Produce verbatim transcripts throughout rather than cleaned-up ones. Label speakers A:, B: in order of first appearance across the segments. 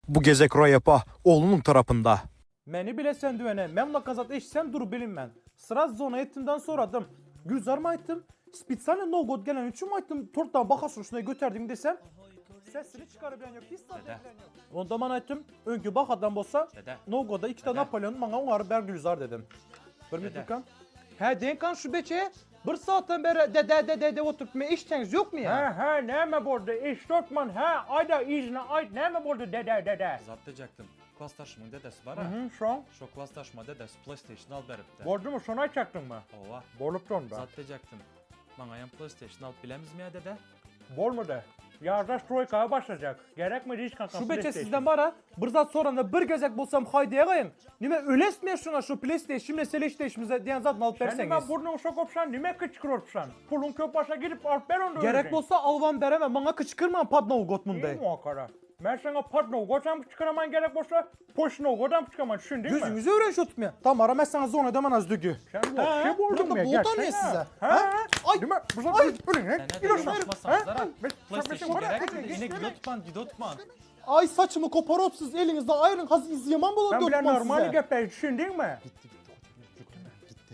A: Bu gezek Royapa oğlunun tarafında.
B: Meni bile sen düvene, memla kazat eşsem dur bilin ben. Sıra zona ettimden soradım. Gülzar mı ettim? Spitsane no god gelen üçün mü ettim? Torttan baka suçuna götürdüm desem. Sesini çıkarabilen yok, hiç tadı bilen yok. Onda bana ettim, önkü bak adam bolsa, no god'a iki tane Napolyon, bana onları ber Gülzar dedim. Bir mi Dürkan? He Denkan şu beçe, bir saatten beri de de de de de oturup me işteniz yok mu ya?
C: He he ne mi burada iş tutman he ayda izne ay ne mi burada dede dede.
D: Zaplayacaktım. Klastaşımın dedesi var
C: Hı
D: ha.
C: hı şu an
D: Şu klastaşma dedesi PlayStation al beripti.
C: borcu mu sona çaktın mı?
D: Ova.
C: Bolup da
D: Zaplayacaktım. Bana yan PlayStation al bilemiz mi ya dede?
C: Bol mu de? Yarda Troika'ya başlayacak. Gerek mi hiç kanka?
B: Şu beçe sizden var ha, bir zat sonra da bir gezek bulsam haydiye kayın. Nime ölesmiye şuna şu PlayStation mesele işte işimize diyen zaten alıp
C: Sen
B: verseniz.
C: ben burnunu sokupsan nime kıçkırırsan? Pulun köp başa gidip alıp ver onu.
B: Gerek bolsa alvan bereme, bana kıçkırma padna
C: İyi
B: Gotmund'day.
C: muhakkara. Ben sana patno goçam çıkaraman gerek bolsa poşno godam çıkaman düşün değil mi?
B: Gözünüzü öğren şu tutmaya. Tamam aramazsanız zona demen az dügü.
C: Sen bu şey buldun
B: burada
C: mu?
B: buldan ne size?
C: Ha?
B: Ay,
C: Değil mi? Bu
B: ay,
C: zaman böyle ne?
D: Sen ne
C: Gidiyorsun.
D: konuşmasanız zara.
C: Ben-
D: PlayStation
C: ben-
D: gerek
C: ben-
D: mi? Yine gidotman gidotman.
B: Ay saçımı koparıp siz elinizde ayırın haz izleyeman bulun
C: Ben bile
B: dökmem
C: normali
B: size.
C: gepler düşün değil mi?
D: Gitti gitti. Gitti mi? Gitti.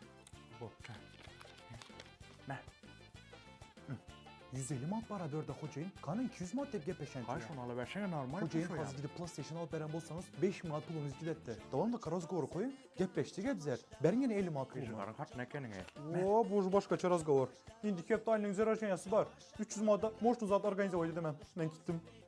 B: yüz elli mat para dörde hocayın. Kanı iki yüz mat tepki peşen.
C: Kaç onu alıversene normal.
B: Hocayın hazır gidip PlayStation alıp veren bolsanız beş mat pulunuz gidetti. Tamam da karaz goru koyun. Gepleşti gebzer. Ben yine elli mat pulum var.
C: Kızların kat ne kendine?
B: Oo bu başka çaraz gavur. İndi kep de aynı güzel aşanyası var. üç yüz madda morşun zat organize oydu demem. Ben gittim.